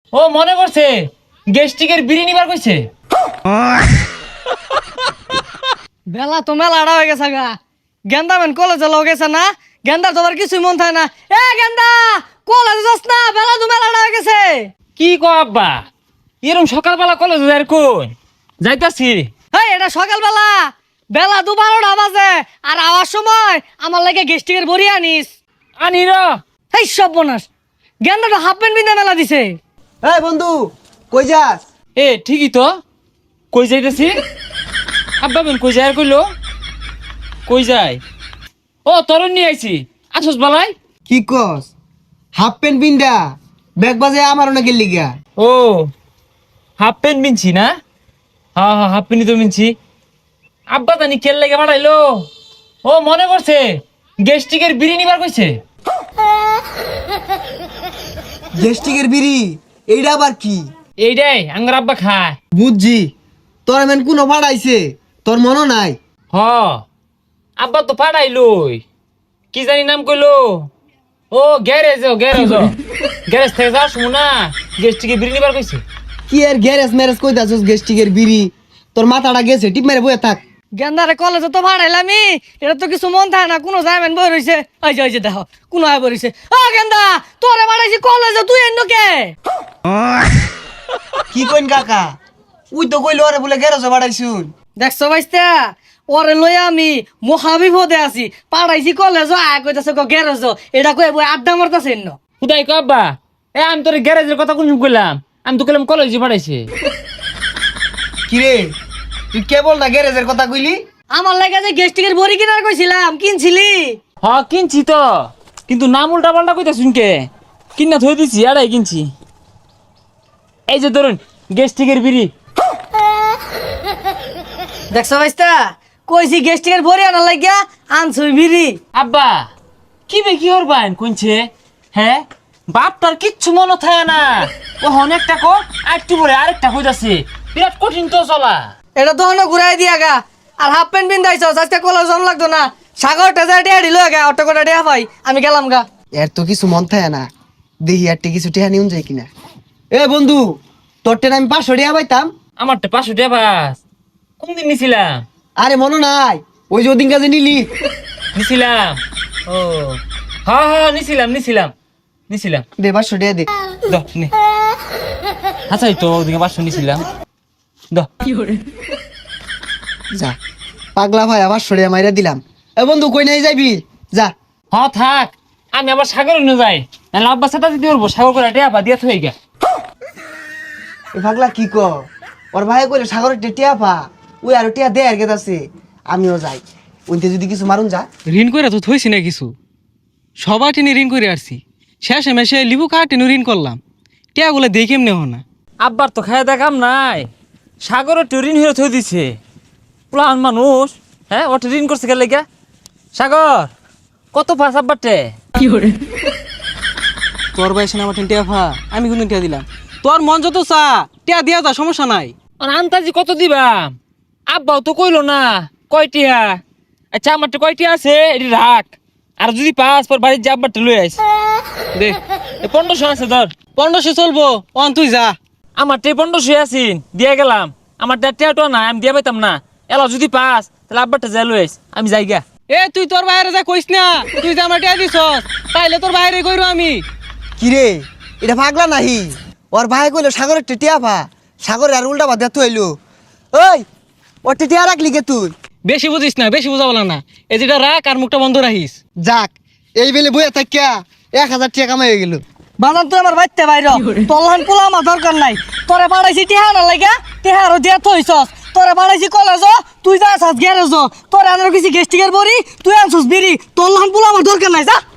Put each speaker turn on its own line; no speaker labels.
ও মনে করছে গেস্টিকের বিড়ি নিবার কইছে।
বেলা তো মেলা আড়া হয়ে গেছে গা। গেন্দা মেন কলেজে লও গেছে না, গেন্দার তোমার কিছুই মন থাকে না। এ গেন্দা কলেজে যাস না, বেলা তো মেলা আড়া হয়ে গেছে।
কি কো আব্বা, এরম সকালবেলা কলেজ যাই কোন যাইতাছি।
হেই এটা সকালবেলা, বেলা 12টা বাজে, আর আওয়ার সময় আমার লাগে গেস্টিকের বড়ি আনিস।
আনি র।
হেই সব বোনাস, গেন্দাটা হাফ প্যান্ট পিন্ধে মেলা দিছে।
এই বন্ধু কই যাস?
এ ঠিকই তো, কই যাইতেছি? আব্বা বেন কই যায় আর কইলো কই যায়? ও তরুণ নিয়ে আইছি, আসস বালাই।
কি কস? হাফ প্যান্ট পিন্দা ব্যাগ বাজে আমার অনেক গেলি গা।
ও হাফ প্যান্ট মিনছি না? হ্যাঁ হ্যাঁ হাফ প্যান্টই তো মিনছি। আব্বা জানি খেল লেগে বাড়াইলো। ও মনে করছে গেস্টিকের বিড়ি নিবার কইছে।
গেস্টিকের বিড়ি এইটা আবার কি?
এইটাই আঙ্গার আব্বা খায়।
বুঝছি, তোর এমন কোনো ভাড়াইছে তোর মনে নাই?
হ আব্বা তো পাঠাইলই, কি জানি নাম কইলো। ও গ্যারেজ গ্যারেজ থেকে যাস না, গেস্টিকে বিড়ি নিবার কইছে।
কি আর গ্যারেজ ম্যারেজ কই দাসস? গেস্টিকের বিড়ি তোর মাথাটা গেছে, টিপ মেরে বয়ে থাক।
গেন্দারে কলেজে তো ভাড়াইলামি, এটা তো কিছু মন থাকে না। কোনো যাইবেন বই রইছে, ওই যে দেখো কোনো আয় বই রইছে। ও গেন্দা তোরে ভাড়াইছি কলেজে, তুই এন্ন কে?
কি কইন কাকা? উই তো কইলো আরে বলে গ্যারেজে ভাড়াইছুন।
দেখছো ভাইস্তা, ওরে লই আমি মহাবিপদে আছি। পাড়াইছি কলেজ, আয় কইতাছে গ্যারেজ, এটা কই বই আড্ডা মারতাছে এন্ন।
খুদাই কো আব্বা, এ আমি তোর গ্যারেজের কথা কোন কইলাম? আমি তো কইলাম কলেজে পাঠাইছে।
কি রে তুই কেবল না গ্যারেজের কথা কইলি?
আমার লাগে যে গেস্টিকের বড়ি কিনার কইছিলাম, কিনছিলি?
হ কিনছি তো, কিন্তু নাম উল্টা পাল্টা কইতা শুনকে কিনা থই দিছি। আড়াই কিনছি। এই যে ধরুন গেস্টিকের বিড়ি।
দেখছো ভাইস্তা, কইছি গেস্টিকের বড়ি আনার লাগিয়া আনছুই বিড়ি।
আব্বা কি বে কি হরবান কোনছে? হ্যাঁ বাপটার কিচ্ছু মনে থাকে না। ও অনেকটা কো আরেকটু পরে আরেকটা কইতাছে, বিরাট কঠিন তো চলা।
এটা তো অন্য ঘুরাই দিয়া গা। আর হাফ প্যান্ট পিন্দাইছ, আজকে কলেজ জন লাগতো না। সাগর টেজা টিয়া দিল গা, অটো করে টিয়া পাই, আমি গেলাম গা।
এর তো কিছু মন থাকে না, দেখি আর কিছু টেহা নিউন যায় কিনা। এ বন্ধু, তোর টেন আমি 500 টাকা পাইতাম।
আমারটা 500 টাকা পাস? কোনদিন নিছিলাম?
আরে মনে নাই ওই যে ওদিন কাজে নিলি?
নিছিলাম। ও হ্যাঁ হ্যাঁ নিছিলাম।
দে 500 টাকা দে।
দ নে। আচ্ছা এই তো ওদিকে 500 নিছিলাম। দ
যা পাগলা ভাই, 500 টাকা মাইরা দিলাম। এ বন্ধু কই নাই যাবি? যা।
হ থাক, আমি আবার সাগর নিয়ে যাই, নাহলে আব্বা সাথে দিতে পারবো। সাগর করে টেয়া পা দিয়া থই গা।
এ পাগলা কি ক? ওর ভাই কইলে সাগরের টিয়া পা, ওই আর টিয়া দে আর গেতাছে। আমিও যাই, ওইতে যদি কিছু মারুন যা।
ঋণ করে তো থইছি না কিছু, সবার টেনে ঋণ করে আসছি। শেষে মেশে লিবু কার টেনে ঋণ করলাম, টিয়াগুলো দেখে এমনি হো না।
আব্বার তো খায় দেখাম নাই, সাগরের ঋণ হয়ে থই দিছে। প্লান মানুষ, হ্যাঁ ওটা ঋণ করছে গেলে গা। সাগর কত পাস আব্বারটে?
তোর বয়সে আমার টিয়া ফা, আমি কিন্তু টিয়া দিলাম। তোর মন যত চা টিয়া দিয়া যা, সমস্যা নাই।
আর আন্তাজি কত দিবাম? আব্বাও তো কইলো না কয়টিয়া। আচ্ছা আমারটা কয়টিয়া আছে এটি রাখ, আর যদি পাস পর বাড়ির যে আব্বারটা লই আইস।
দে
1500 আছে ধর।
1500 চলবো, অন তুই যা।
আমারটা 1500 আছিন, দিয়ে গেলাম। আমার টিয়াটা না আমি দিয়ে পাইতাম না। এলা যদি পাস তাহলে আব্বারটা যাই লই আইস, আমি যাই গা।
এ তুই তোর বাইরে যা কইস না, তুই যে আমার টিয়া দিছস তাইলে তোর বাইরে কইরো আমি।
কি রে এটা পাগলা নাহি? ওর ভাই কইলো সাগরের টিয়া পা, সাগরের আর উল্টা বাদ তো হইলো। ওই ওর টিয়া রাখলি কে তুই?
বেশি বুঝিস না, বেশি বুঝা বলা না। এই যেটা রাখ আর মুখটা বন্ধ রাখিস।
যাক এই বেলে বইয়া থাকিয়া 1000 টাকা কামাই হয়ে গেল।
বাজান তুই আমার বাইতে বাইর, তোলহান পোলা আমার দরকার নাই। তোরে পাড়াইছি টিহা না লাগা, টিহারও দিয়া থইছস। তোরে পাড়াইছি কলেজ, তুই যা আসাস গ্যারেজ। তোরে আনার কিছু গেস্টিকের বড়ি, তুই আনছস বিড়ি। তোলহান পোলা আমার দরকার নাই, যা।